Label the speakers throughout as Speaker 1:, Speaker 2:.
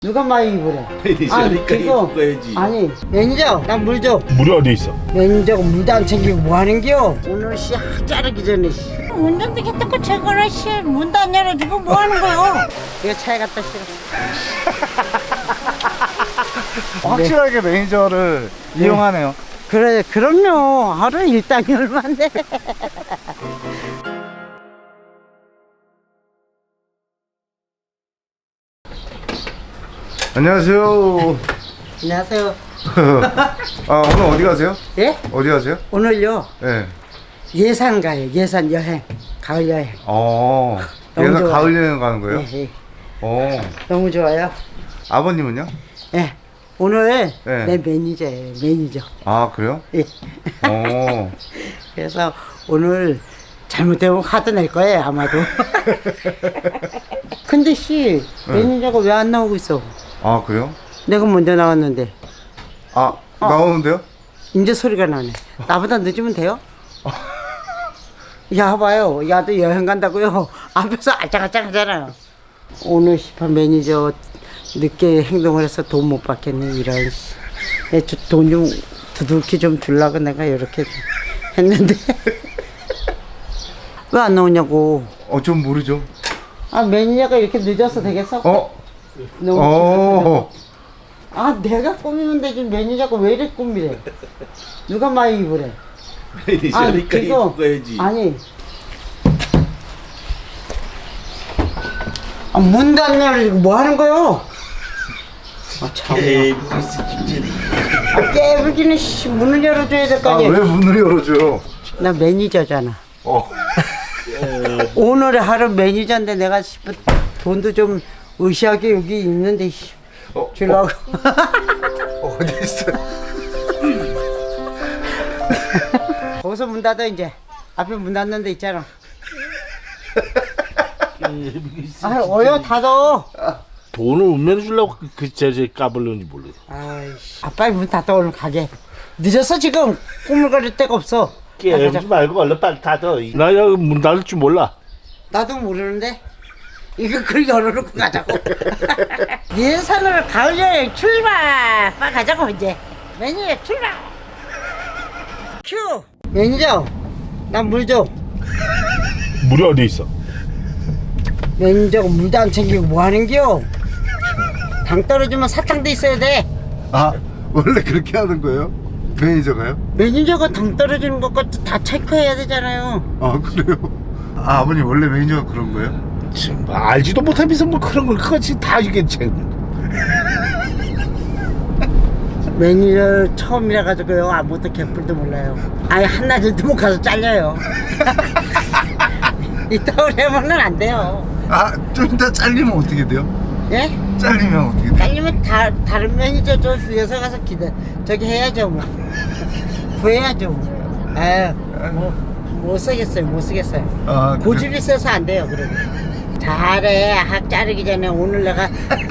Speaker 1: 누가 많이 입으래?
Speaker 2: 그러니까 입어야지.
Speaker 1: 아니 매니저 난 물 줘.
Speaker 2: 물이 어디 있어?
Speaker 1: 매니저가 물도 안 챙기고 뭐 하는겨? 오늘 씨 학 자르기 전에 씨.
Speaker 3: 운전도 했다고 제거를 씨 문도 안 열어주고 뭐 하는 거요?
Speaker 1: 이거 차에 갖다 실어.
Speaker 4: 확실하게 매니저를 이용하네요.
Speaker 1: 그래 그럼요. 하루 일당이 얼마인데?
Speaker 4: 안녕하세요.
Speaker 1: 안녕하세요.
Speaker 4: 아, 오늘 어디 가세요?
Speaker 1: 예?
Speaker 4: 어디 가세요?
Speaker 1: 오늘요
Speaker 4: 네.
Speaker 1: 예산 가요. 예산 여행. 가을 여행.
Speaker 4: 너무
Speaker 1: 너무
Speaker 4: 얘가
Speaker 1: 좋아요.
Speaker 4: 가을 여행 가는 거예요?
Speaker 1: 예, 예.
Speaker 4: 어.
Speaker 1: 너무 좋아요.
Speaker 4: 아버님은요?
Speaker 1: 예. 오늘
Speaker 4: 네.
Speaker 1: 내 매니저예요. 매니저.
Speaker 4: 아, 그래요?
Speaker 1: 예.
Speaker 4: 어.
Speaker 1: 그래서 오늘 잘못되면 화도 낼 거예요 아마도. 근데 씨 매니저가 왜 안 나오고 있어?
Speaker 4: 아, 그래요?
Speaker 1: 내가 먼저 나왔는데
Speaker 4: 아, 나오는데요?
Speaker 1: 이제 소리가 나네. 나보다 늦으면 돼요? 야 봐요. 야도 여행 간다고요. 앞에서 알짱알짱 하잖아요. 오늘 시판 매니저 늦게 행동을 해서 돈 못 받겠네 이런. 돈 좀 두둑히 좀 주려고 내가 이렇게 했는데 왜 안 나오냐고.
Speaker 4: 좀 모르죠.
Speaker 1: 아 매니저가 이렇게 늦어서 되겠어? 너무
Speaker 4: 어.
Speaker 1: 아 내가 꾸미면 되지 매니저가 왜 이렇게 꾸미래? 누가 많이 입으래?
Speaker 2: 그러니까 입어야지.
Speaker 1: 아니 문도 안 열어주고 뭐 하는 거요? 참. 깨부기는 씨 문을 열어줘야 될 거
Speaker 4: 아,
Speaker 1: 아니야.
Speaker 4: 왜 문을 열어줘요?
Speaker 1: 나 매니저잖아. 오늘의 하루 매니저인데 내가 싶은 돈도 좀 의시하게 여기 있는데 씨. 주려고.
Speaker 4: 어디 있어요?
Speaker 1: 거기서 문 닫아 이제. 앞에 문 닫는 데 있잖아. 어여 닫어.
Speaker 2: 돈을 운면해 주려고 그 제재 까불는지 모르겠어.
Speaker 1: 아이씨. 빨리 문 닫아 얼른 가게. 늦었어 지금. 꾸물거릴 데가 없어.
Speaker 2: 깨지 말고 얼른 빨리 닫아. 나 여기 문 닫을 줄 몰라.
Speaker 1: 나도 모르는데. 이거 그걸 열어놓고 가자고. 예산으로 가을 여행 출발. 빨리 가자고 이제. 매니저 출발. 큐. 매니저. 난 물 줘.
Speaker 2: 물이 어디 있어?
Speaker 1: 매니저가 물도 안 챙기고 뭐 하는겨? 당 떨어지면 사탕도 있어야 돼.
Speaker 4: 아, 원래 그렇게 하는 거예요? 매니저가요?
Speaker 1: 매니저가 당 떨어지는 것까지 다 체크해야 되잖아요.
Speaker 4: 아, 그래요? 아, 아버님 원래 매니저가 그런 거예요?
Speaker 2: 지금 알지도 못하면서 뭐 그런 걸 그것이 다 이게 책.
Speaker 1: 매니저 처음이라 가지고요 아무것도 개뿔도 몰라요. 아예 한낮에도 못 가서 잘려요. 이따 오래면은 안 돼요.
Speaker 4: 아, 좀 이따 잘리면 어떻게 돼요?
Speaker 1: 예?
Speaker 4: 잘리면 어떻게 돼요?
Speaker 1: 잘리면 다른 매니저 저 위에서 가서 저기 해야죠 뭐. 구해야죠 뭐. 아유 못 쓰겠어요 못 쓰겠어요.
Speaker 4: 아,
Speaker 1: 고집이 세서 안 돼요 그러면. 잘해 학 자르기 전에 오늘 내가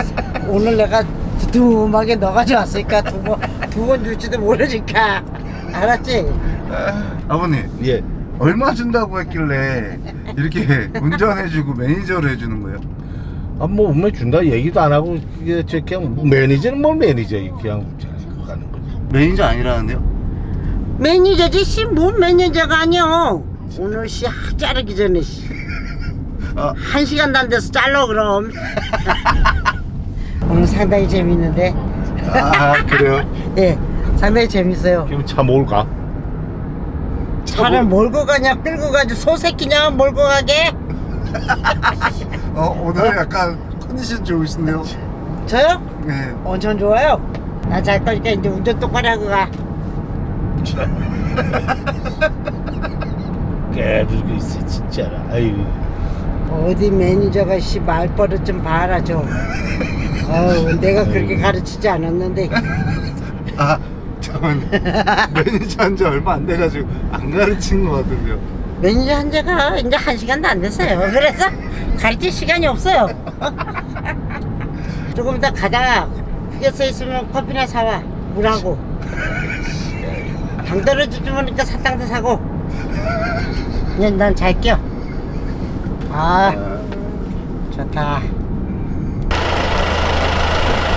Speaker 1: 두툼하게 넣어가지고 왔으니까 두 번 줄지도 모르니까 알았지?
Speaker 4: 아버님,
Speaker 2: 예.
Speaker 4: 얼마 준다고 했길래 이렇게 운전해주고 매니저를 해주는 거예요?
Speaker 2: 뭐 운면 준다 얘기도 안 하고 이게 저 그냥 매니저는 뭐 매니저 그냥 가는 거지.
Speaker 4: 매니저 아니라는데요?
Speaker 1: 매니저지 씨 뭔 매니저가 아니여. 오늘 씨 학 자르기 전에 씨.
Speaker 4: 아.
Speaker 1: 1시간도 안 돼서 잘라 그럼. 오늘 상당히 재밌는데.
Speaker 4: 아, 그래요?
Speaker 1: 예, 상당히 재밌어요.
Speaker 2: 그럼 차 몰까?
Speaker 1: 차를 몰고 가냐 끌고 가지 소새끼냐 몰고 가게?
Speaker 4: 오늘 약간 컨디션 좋으신데요?
Speaker 1: 저요?
Speaker 4: 네.
Speaker 1: 엄청 좋아요. 나 잘 거니까 이제 운전 똑바로 하고 가.
Speaker 2: 깨들고 있어 진짜라. 아유.
Speaker 1: 어디 매니저가 씨 말버릇 좀 봐라 좀. 내가 그렇게 가르치지 않았는데.
Speaker 4: 아, 잠깐만요. 매니저 한 지 얼마 안 돼가지고 안 가르친 것 같은데요.
Speaker 1: 매니저 한 지가 이제 1시간도 안 됐어요. 그래서 가르칠 시간이 없어요. 조금 이따 가다가 휴게소에 있으면 커피나 사와. 물하고. 당 떨어지지 모르니까 사탕도 사고. 그냥 난 잘게요. 좋다.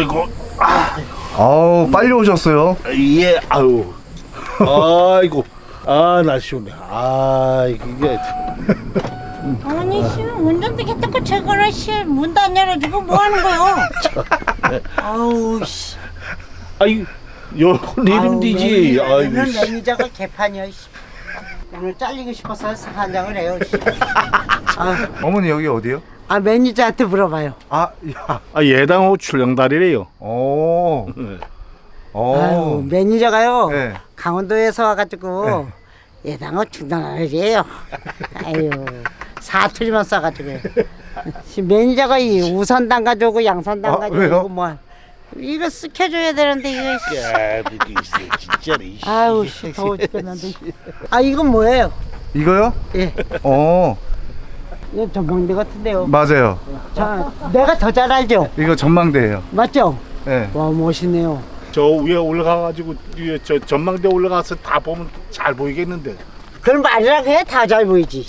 Speaker 2: 아이고.
Speaker 4: 아우 빨리 오셨어요.
Speaker 2: 예, 아유. 아이고. 아, 나 시원해. 아, 이게.
Speaker 3: 아니 씨 운전대 했다고 저거를 씨문도 안 열어주고 뭐 하는 거요?
Speaker 1: 아우 씨.
Speaker 2: 아이, 요거 내리면 되지. 아이고.
Speaker 1: 오늘 매니저가 개판이야. 씨. 오늘 잘리고 싶어서 한장을 해요. 씨.
Speaker 4: 어머니 여기 어디요?
Speaker 1: 아 매니저한테 물어봐요.
Speaker 4: 아, 야.
Speaker 2: 아, 예당호 출렁다리래요.
Speaker 4: 오.
Speaker 1: 아유 매니저가요.
Speaker 4: 네.
Speaker 1: 강원도에서 와가지고 예당어 중단하래요. 아유 사투리만 써가지고 매니저가 이 우선당 가져오고 양선당
Speaker 4: 아,
Speaker 1: 가져오고
Speaker 4: 왜요?
Speaker 1: 뭐 이거 시켜줘야 되는데 이거
Speaker 2: 야, 그게 있어, 진짜로.
Speaker 1: 아유 씨 더워 죽겠는데. 아 이건 뭐예요?
Speaker 4: 이거요?
Speaker 1: 예,
Speaker 4: 어
Speaker 1: 이거 전망대 같은데요.
Speaker 4: 맞아요.
Speaker 1: 자, 내가 더 잘 알죠?
Speaker 4: 이거 전망대예요.
Speaker 1: 맞죠?
Speaker 4: 네.
Speaker 1: 와 멋있네요.
Speaker 2: 저 위에 올라가가지고 위에 저 전망대 올라가서 다 보면 잘 보이겠는데.
Speaker 1: 그럼 말이라고 해 다 잘 보이지.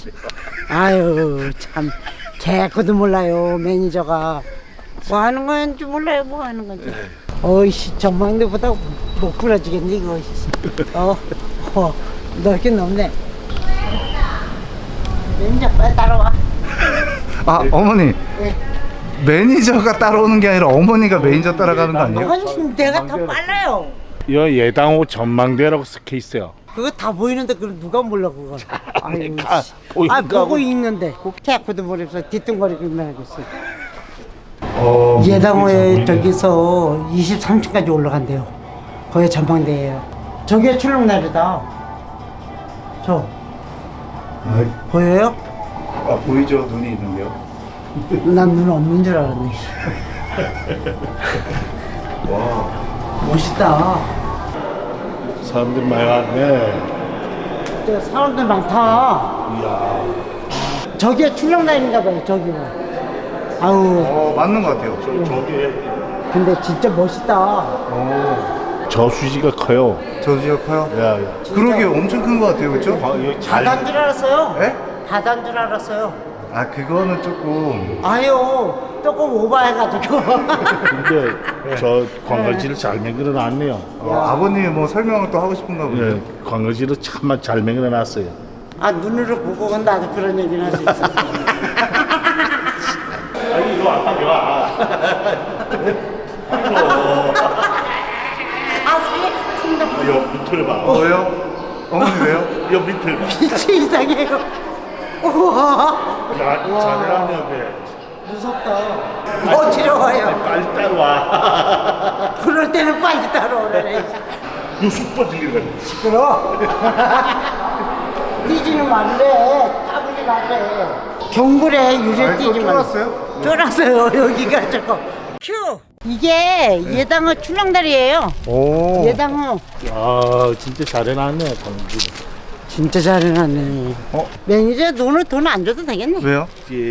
Speaker 1: 아유 참 개코도 몰라요 매니저가 뭐 하는 건지 몰라요 뭐 하는 건지. 어이씨 전망대보다 못 부러지겠네 이거. 넓긴 넓네. 매니저 빨리 따라와.
Speaker 4: 아 어머니
Speaker 1: 예.
Speaker 4: 매니저가 따라오는 게 아니라 어머니가 매니저 따라가는 거 아니에요?
Speaker 1: 아니 내가 더 빨라요.
Speaker 2: 여 예당호 전망대라고 적혀 있어요.
Speaker 1: 그거 다 보이는데 그걸 누가 몰라 그걸. 아유
Speaker 2: 아,
Speaker 1: 씨.
Speaker 2: 보이는
Speaker 1: 아
Speaker 2: 거하고.
Speaker 1: 보고 있는데 개코도 모르면서 뒤뚱거리기만 하겠어.
Speaker 4: 어,
Speaker 1: 예당호에 저기서 23층까지 올라간대요. 거기 전망대예요. 저게 출렁다리다. 저 보여요?
Speaker 4: 아 보이죠? 눈이 있는데요.
Speaker 1: 난 눈 없는 줄 알았네.
Speaker 4: 와.
Speaker 1: 멋있다.
Speaker 2: 사람들 많이 왔네.
Speaker 1: 저 사람들 많다.
Speaker 2: 이야.
Speaker 1: 저게 출렁다리인가 봐요. 저기가. 아우
Speaker 4: 맞는 것 같아요.
Speaker 2: 저기
Speaker 1: 근데 진짜 멋있다.
Speaker 2: 저수지가 커요.
Speaker 4: 저지가 커요.
Speaker 2: 야, 야.
Speaker 4: 그러게 엄청 큰 것 같아요, 그렇죠?
Speaker 2: 여기 잘.
Speaker 1: 바다인 줄 알았어요.
Speaker 4: 예?
Speaker 1: 바다인 줄 알았어요.
Speaker 4: 아 그거는 조금
Speaker 1: 아유 조금 오버해가지고.
Speaker 2: 근데 저 관광지를 잘 만들어 놨네요.
Speaker 4: 아버님이 뭐 설명을 또 하고 싶은가 보네요.
Speaker 2: 예, 관광지를 참 잘 만들어 놨어요.
Speaker 1: 아 눈으로 보고 나도 그런 얘기는 할 수 있어.
Speaker 2: 아니 이거 왔다 와.
Speaker 1: 가슴이 쿵덕.
Speaker 2: 여 밑을 봐.
Speaker 4: 왜요? 어머니 왜요?
Speaker 2: 여 밑을 봐.
Speaker 1: 빛이 이상해요. 우와
Speaker 2: 잘해라면 돼.
Speaker 1: 무섭다. 어지러워요.
Speaker 2: 빨리 따라와.
Speaker 1: 그럴 때는 빨리 따라오래.
Speaker 2: 요 숙박 들리거든.
Speaker 1: 시끄러. 뛰지는 말래. 까불지 말래. 경굴에 유리 뛰지 말래.
Speaker 4: 쫄았어요?
Speaker 1: 쫄았어요. 여기가 저거. 큐. 이게 예당어 출렁다리예요.
Speaker 4: 오.
Speaker 1: 예당어.
Speaker 2: 야, 진짜 잘해놨네 관광지.
Speaker 1: 진짜 잘해놨네.
Speaker 4: 어?
Speaker 1: 매니저 돈 안 줘도 되겠네.
Speaker 4: 왜요?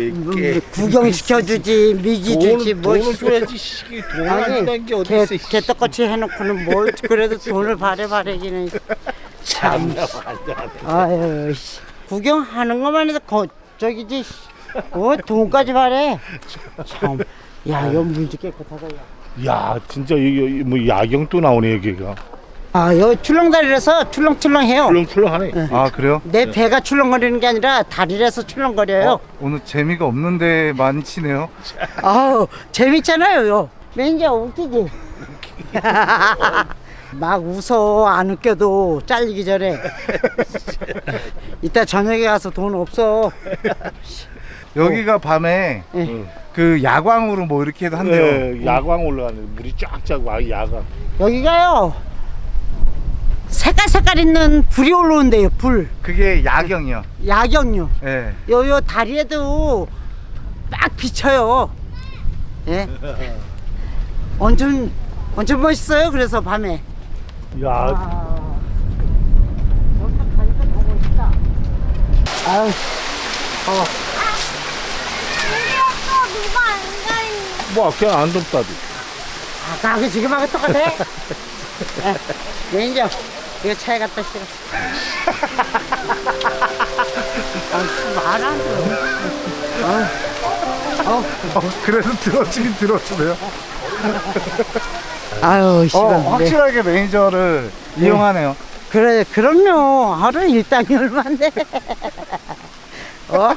Speaker 1: 구경시켜주지, 미기 주지, 뭐.
Speaker 2: 돈을 줘야지. 시기 돈을 안 준다는 게 어디 있어.
Speaker 1: 개떡같이 해놓고는 뭘 그래도 돈을 바래기는. 참. 아유, 씨. 구경하는 것만 해도 저기지. 돈까지 바래. 참. 야, 이거 문제 깨끗하다. 야.
Speaker 2: 야, 진짜 여기 뭐 야경도 나오네 여기가.
Speaker 1: 아, 여기 출렁다리라서 출렁출렁해요.
Speaker 2: 출렁출렁하네.
Speaker 4: 아 그래요?
Speaker 1: 내 배가 출렁거리는 게 아니라 다리라서 출렁거려요.
Speaker 4: 오늘 재미가 없는데 많이 치네요.
Speaker 1: 아우 재밌잖아요. 요. 매니저 웃기지? 막 웃어 안 웃겨도 잘리기 전에. 이따 저녁에 가서 돈 없어.
Speaker 4: 여기가 밤에
Speaker 1: 예.
Speaker 4: 그 야광으로 뭐 이렇게 해도 한대요.
Speaker 2: 네, 야광 올라가네. 물이 쫙쫙 와 야광.
Speaker 1: 여기가요. 색깔 있는 불이 올라온대요. 불.
Speaker 4: 그게 야경이요.
Speaker 1: 야경요.
Speaker 4: 예.
Speaker 1: 요 다리에도 막 비쳐요. 예. 완전 멋있어요. 그래서 밤에.
Speaker 2: 야,
Speaker 1: 여기 가니까 더 멋있다. 아유.
Speaker 3: 누가 안 가니?
Speaker 2: 뭐 그냥 안 덥다디.
Speaker 1: 아까 지금 하고 똑같아. 매니저 이거 차에 갖다 실어. 말 안 들어.
Speaker 4: 그래도 들어주긴 들어주네요.
Speaker 1: 아유, 씨발.
Speaker 4: 확실하게 매니저를 이용하네요.
Speaker 1: 그래, 그럼요. 하루 일당이 얼마인데. 어?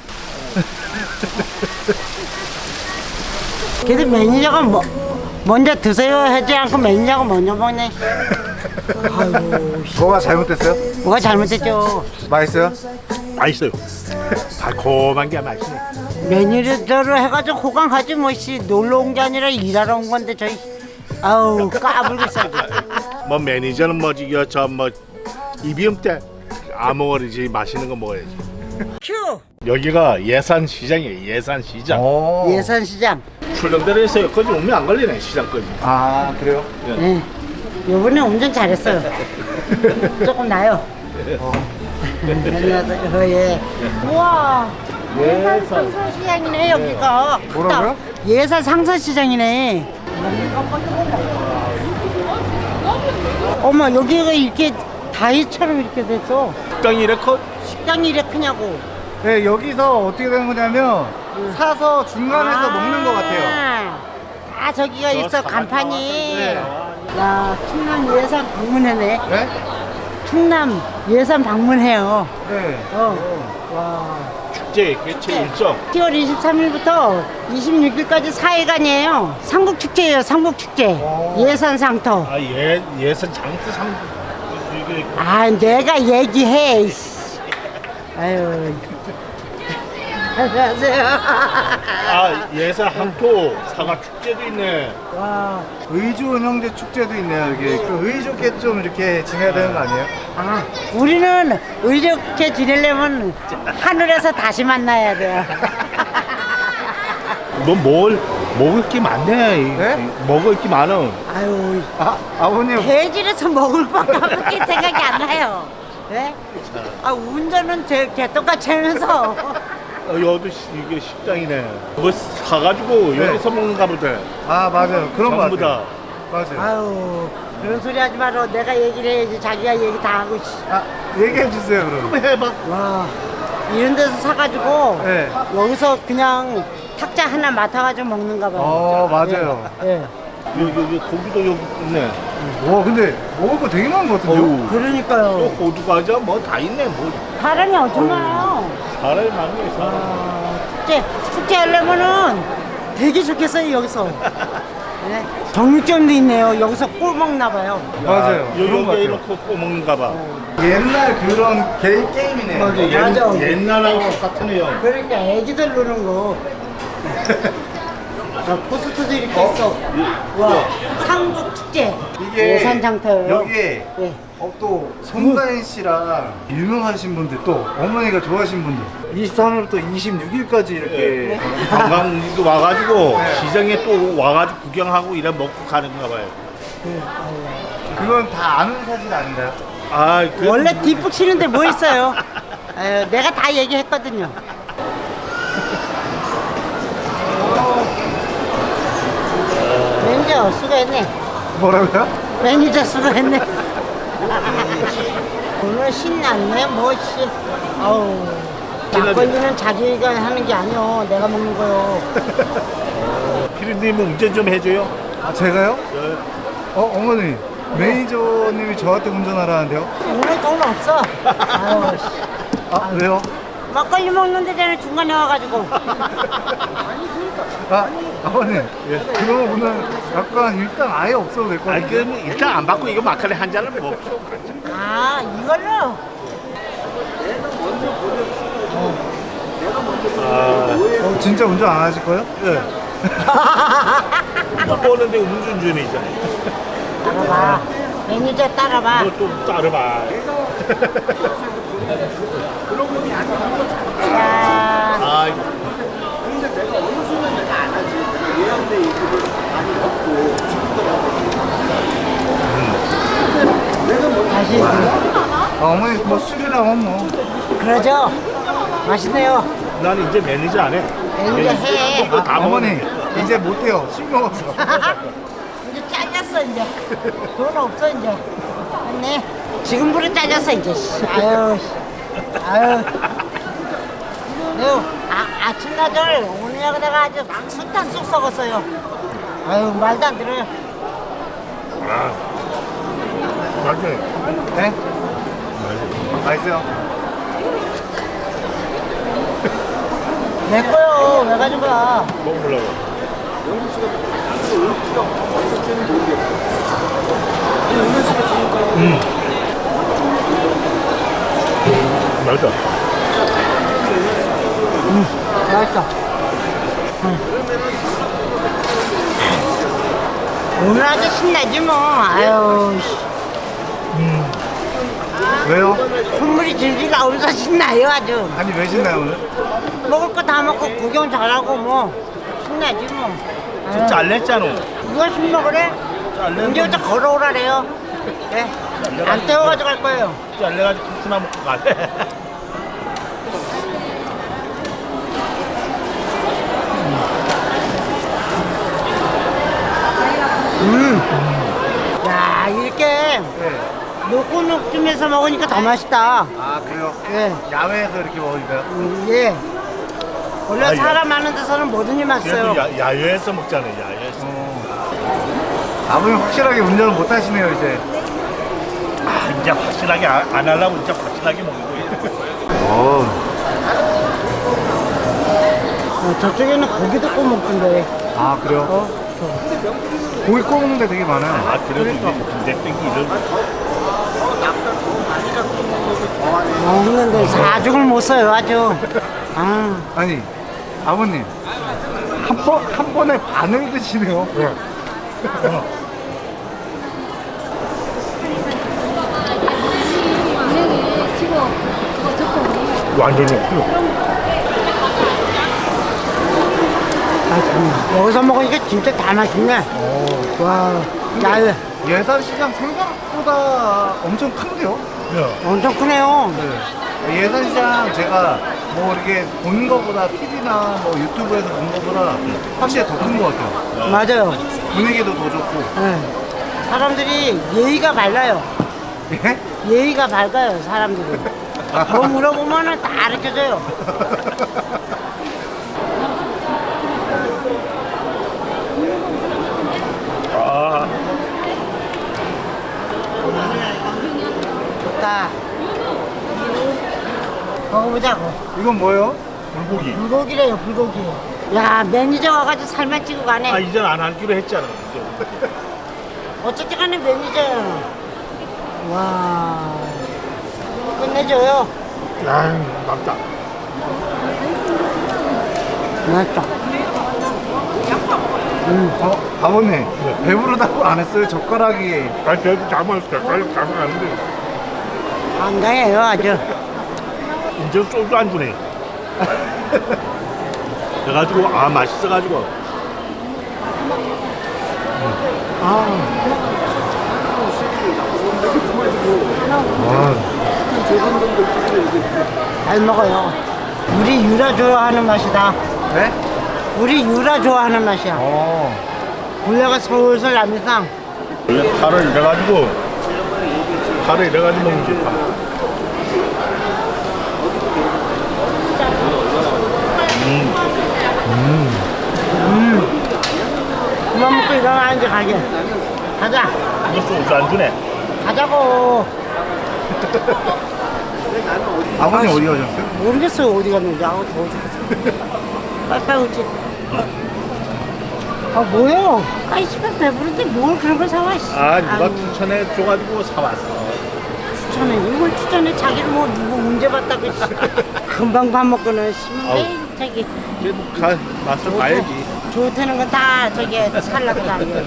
Speaker 1: 그래도 매니저가 먼저 드세요 하지 않고 매니저가 먼저 먹네. 아유,
Speaker 4: 뭐가 잘못됐어요?
Speaker 1: 뭐가 잘못됐죠.
Speaker 4: 맛있어요?
Speaker 2: 맛있어요. 달콤한 게 맛있네.
Speaker 1: 매니저를 해가지고 호강 가지 뭐씨 놀러 온 게 아니라 일하러 온 건데 저희 아우 까불겠어.
Speaker 2: 뭐 매니저는 뭐지 저뭐 이비음 때 아무거리지 맛있는 거 먹어야지.
Speaker 1: 큐
Speaker 2: 여기가 예산 시장이에요. 예산 시장.
Speaker 1: 예산시장.
Speaker 2: 출렁다리에서 여기까지 오면 안 걸리네 시장까지.
Speaker 4: 아 그래요?
Speaker 1: 네. 요번에 운전 잘했어요. 조금 나요. 안녕하세요. 예. 우와. 예산 상선시장이네 여기가. 크다.
Speaker 4: 뭐라고요?
Speaker 1: 예산 상선시장이네. 어머 여기가 이렇게 다이처럼 이렇게 됐어.
Speaker 2: 식당이 이래 커?
Speaker 1: 식당이 이래 크냐고.
Speaker 4: 네 여기서 어떻게 되는 거냐면 사서 중간에서 먹는 것 같아요.
Speaker 1: 아 저기가
Speaker 2: 저
Speaker 1: 있어
Speaker 2: 사과가
Speaker 1: 간판이.
Speaker 2: 나왔어요.
Speaker 1: 야 충남 예산 방문회네.
Speaker 4: 네?
Speaker 1: 충남 예산 방문해요.
Speaker 4: 네.
Speaker 1: 와.
Speaker 2: 축제 개최 일정.
Speaker 1: 10월 23일부터 26일까지 4일간이에요. 삼국축제예요. 삼국축제. 예산 상터.
Speaker 2: 아 예산 장수 상 이게
Speaker 1: 아 내가 얘기해. 이씨. 아유. 안녕하세요.
Speaker 2: 아 예산 항토 사과 축제도 있네.
Speaker 1: 와.
Speaker 4: 의좋은 형제 축제도 있네요. 여기 그 의좋게 좀 이렇게 지내야 되는 거 아니에요?
Speaker 1: 아, 우리는 의좋게 지내려면 하늘에서 다시 만나야 돼요.
Speaker 2: 너 먹을 게 많네.
Speaker 4: 네?
Speaker 2: 먹을 게 많어.
Speaker 1: 아유,
Speaker 4: 아버님
Speaker 1: 대질에서 먹을 것밖에 생각이 안 나요. 네? 아, 운전은 개똥같이 하면서.
Speaker 2: 여기도 이게 식당이네. 뭐 사가지고
Speaker 4: 네.
Speaker 2: 여기서 먹는가 보다.
Speaker 4: 아 맞아요 그런 거
Speaker 2: 전부
Speaker 4: 같아요.
Speaker 2: 다.
Speaker 4: 맞아요.
Speaker 1: 아유, 그런 소리 하지 마라. 내가 얘기를 해야지. 자기가 얘기 다 하고. 씨.
Speaker 4: 아 얘기해 주세요 그럼.
Speaker 2: 한번 해봐.
Speaker 1: 와, 이런 데서 사가지고
Speaker 4: 네.
Speaker 1: 여기서 그냥 탁자 하나 맡아가지고 먹는가 봐요.
Speaker 4: 맞아요.
Speaker 1: 예.
Speaker 2: 여기 고기도 여기 있네.
Speaker 4: 와 근데 먹을 거 되게 많은 것 같은데요?
Speaker 2: 어우. 또
Speaker 1: 그러니까요.
Speaker 2: 호두 과자 뭐 다 있네. 뭐
Speaker 1: 사람이 엄청 많아요.
Speaker 2: 사람이 많네. 사람.
Speaker 1: 축제 하려면은 되게 좋겠어요 여기서. 네. 정육점도 있네요. 여기서 꿀 먹나 봐요.
Speaker 4: 맞아요. 그런 것
Speaker 2: 여기
Speaker 4: 같아요.
Speaker 2: 이렇게 꼭 먹는가 봐.
Speaker 4: 옛날 그런 게임이네요.
Speaker 1: 맞아.
Speaker 2: 옛날하고 똑같으네요.
Speaker 1: 그러니까 애기들 노는 거. 포스트도 이렇게 있어. 와, 삼국 축제.
Speaker 4: 이게
Speaker 1: 예산 장터예요.
Speaker 4: 여기에
Speaker 1: 네.
Speaker 4: 또 손다인 씨랑 유명하신 분들 또 어머니가 좋아하신 분들 23일부터 26일까지 이렇게
Speaker 2: 관광도 와가지고
Speaker 4: 네.
Speaker 2: 시장에 또 와가지고 구경하고 이래 먹고 가는가 봐요.
Speaker 4: 그건 다 아는 사실 아닌가요?
Speaker 2: 아, 그
Speaker 1: 원래 뒷북 치는데 뭐 있어요? 아유, 내가 다 얘기했거든요. 매니저 수고했네.
Speaker 4: 뭐라고요?
Speaker 1: 매니저 수고했네. 오늘 신났네 뭐씨. 아우. 막걸리는 자기가 하는 게 아니요. 내가 먹는 거요.
Speaker 2: 피디님은 운전 좀 해줘요.
Speaker 4: 아 제가요?
Speaker 2: 네.
Speaker 4: 어머니 매니저님이 저한테 운전하라는데요?
Speaker 1: 오늘 돈 없어. 아유, 씨.
Speaker 4: 아 왜요?
Speaker 1: 막걸리 먹는데 전에 중간에 와가지고.
Speaker 4: 아 아버님 그럼 오늘 약간 일단 아예 없어도 될 것
Speaker 2: 아니
Speaker 4: 같아요.
Speaker 2: 그럼 일단 안 받고 이거 마카레 한 잔을 먹죠.
Speaker 1: 아, 이걸로?
Speaker 4: 진짜 운전 안 하실 거예요?
Speaker 2: 네. 못 보는데 운전이잖아요.
Speaker 1: 따라봐. 매니저 따라봐.
Speaker 2: 또 따라봐.
Speaker 1: 자,
Speaker 2: 아,
Speaker 1: 다시.
Speaker 4: 어머니 뭐 술이랑 뭐
Speaker 1: 그러죠? 맛있네요.
Speaker 2: 난 이제 매니저 안 해.
Speaker 1: 매니저 해.
Speaker 2: 이거 다
Speaker 4: 어머니
Speaker 2: 먹네.
Speaker 4: 이제 못해요 술 먹었어.
Speaker 1: 이제 잘렸어, 이제. 돈 없어, 이제. 맞네. 지금부터 잘렸어, 이제. 씨. 아유, 씨. 아유. 아침나절 오늘냐고 내가 아주 sultan 쑥 썩었어요. 아유 말도 안 들어요.
Speaker 2: 아, 맛있네.
Speaker 4: 네?
Speaker 2: 맛있네.
Speaker 4: 맛있어요.
Speaker 1: 내 거요. 왜 가진 거야?
Speaker 2: 먹어보려고. 맛있다.
Speaker 1: 맛있어. 오늘 아주 신나지 뭐. 아유, 씨.
Speaker 4: 왜요?
Speaker 1: 콧물이 질질 나오면서 신나요 아주.
Speaker 4: 아니 왜 신나요 오늘?
Speaker 1: 먹을 거 다 먹고 구경 잘하고 뭐 신나지 뭐. 아유,
Speaker 2: 잘냈잖아.
Speaker 1: 누가 술 먹으래? 언제부터 걸어오라래요. 네. 안 떼워가지고 갈 거예요.
Speaker 2: 잘내가지고 국수나 먹고 가래.
Speaker 1: 야 이렇게
Speaker 4: 네.
Speaker 1: 녹고녹쯤에서 먹으니까 더 맛있다.
Speaker 4: 아 그래요?
Speaker 1: 예.
Speaker 4: 야외에서 이렇게 먹으니까요?
Speaker 1: 예. 원래
Speaker 2: 아, 예.
Speaker 1: 사람 많은 데서는 뭐든지 맛있어요.
Speaker 2: 그래도 야외에서 먹잖아요. 야외에서.
Speaker 4: 아버님 확실하게 운전을 못 하시네요 이제.
Speaker 2: 아, 이제 확실하게 안 하려고 이제 확실하게 먹는 거예요.
Speaker 1: 저쪽에는 고기도 구워 먹던데.
Speaker 4: 아 그래요? 고기 구워 먹는 데 되게 많아요.
Speaker 2: 아, 그래도 이제 군대땡기 이런
Speaker 1: 먹는데 사죽을 못 써요 아주. 아,
Speaker 4: 아니 아버님 한 번에 반을 드시네요.
Speaker 2: 완전히 없고.
Speaker 1: 맛있네. 여기서 먹으니까 진짜 다 맛있네. 와, 야외
Speaker 4: 예산시장 생각보다 엄청 큰데요?
Speaker 1: 엄청 크네요.
Speaker 4: 네. 예산시장 제가 뭐 이렇게 본 거보다 TV나 뭐 유튜브에서 본 거보다 확실히 더 큰 것 같아요.
Speaker 1: 맞아요.
Speaker 4: 분위기도 더 좋고.
Speaker 1: 네. 사람들이 예의가 밝아요.
Speaker 4: 예?
Speaker 1: 예의가 밝아요 사람들이. 뭐 물어보면은 다 알려줘요.
Speaker 2: 아,
Speaker 1: 좋다. 먹어보자고.
Speaker 4: 이건 뭐예요?
Speaker 2: 불고기.
Speaker 1: 불고기래요 불고기. 야 매니저 와가지고 살만 찌고 가네.
Speaker 2: 아, 이젠 안 하기로 했잖아. 이제.
Speaker 1: 어쨌든 간에 매니저야. 와 끝내줘요.
Speaker 2: 야, 맵다.
Speaker 1: 맛있다.
Speaker 4: 아버님 배부르다고 안 했어요? 젓가락이.
Speaker 2: 아, 그래도 잡았을 빨리 가면 안 돼.
Speaker 1: 건강해요 아주.
Speaker 2: 이제 소주 안 주네. 그래가지고 아 맛있어가지고.
Speaker 1: 잘 먹어요. 우리 유라 좋아하는 맛이다.
Speaker 4: 네?
Speaker 1: 우리 유라 좋아하는 맛이야. 분ля가 솔솔 나면서
Speaker 2: 원래 파를 이래가지고 먹는 게 파.
Speaker 1: 그만 먹고 일어나 이제 가게. 가자.
Speaker 2: 이거 소주 안 주네.
Speaker 1: 가자고.
Speaker 4: 아버님 어디 가셨어요?
Speaker 1: 모르겠어요 어디 갔는지. 아우 더워 죽겠어. 빨리빨리 오지. 아 뭐야? 아이 씨발 배부른데 뭘 그런 걸 사와. 씨.
Speaker 2: 아, 누가
Speaker 1: 아유,
Speaker 2: 추천해 줘가지고 사왔어.
Speaker 1: 추천해. 이걸 추천해. 자기를 뭐 누구 문제 봤다고. 씨. 금방 밥 먹고는 심해. 저기
Speaker 2: 그래도 맛을 봐야지.
Speaker 1: 좋다는 건 다 저기 살라고 다니고.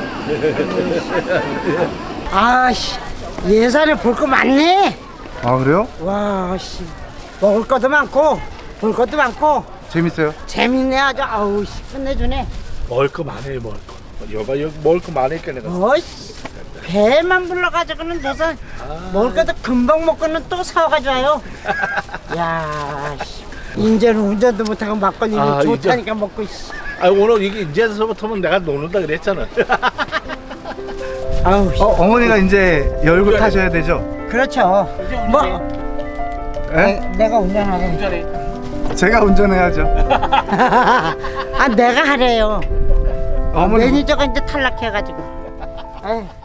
Speaker 1: 아씨 예산에 볼 거 많네.
Speaker 4: 아 그래요?
Speaker 1: 와 씨 먹을 것도 많고 볼 것도 많고
Speaker 4: 재밌어요?
Speaker 1: 재밌네 아주. 아우 씨 끝내주네.
Speaker 2: 먹을 거 많아요, 먹을 거. 여기 먹을 거 많으니까 내가.
Speaker 1: 어이씨 배만 불러가지고는 무슨 먹을 것도 금방 먹고는 또 사와가지고 와요. 야 씨. 이제는 운전도 못하고 막걸리
Speaker 2: 아,
Speaker 1: 좋다니까 먹고 씨.
Speaker 2: 아, 오늘 이게 이제서부터는 내가 노는다 그랬잖아.
Speaker 1: 아우 씨.
Speaker 4: 어머니가 이제 열고 타셔야 되죠?
Speaker 1: 그렇죠. 뭐
Speaker 4: 예?
Speaker 1: 내가 운전하고.
Speaker 4: 제가 운전해야죠.
Speaker 1: 아 내가 하래요.
Speaker 4: 어머니
Speaker 1: 매니저가 이제 탈락해가지고. 아유.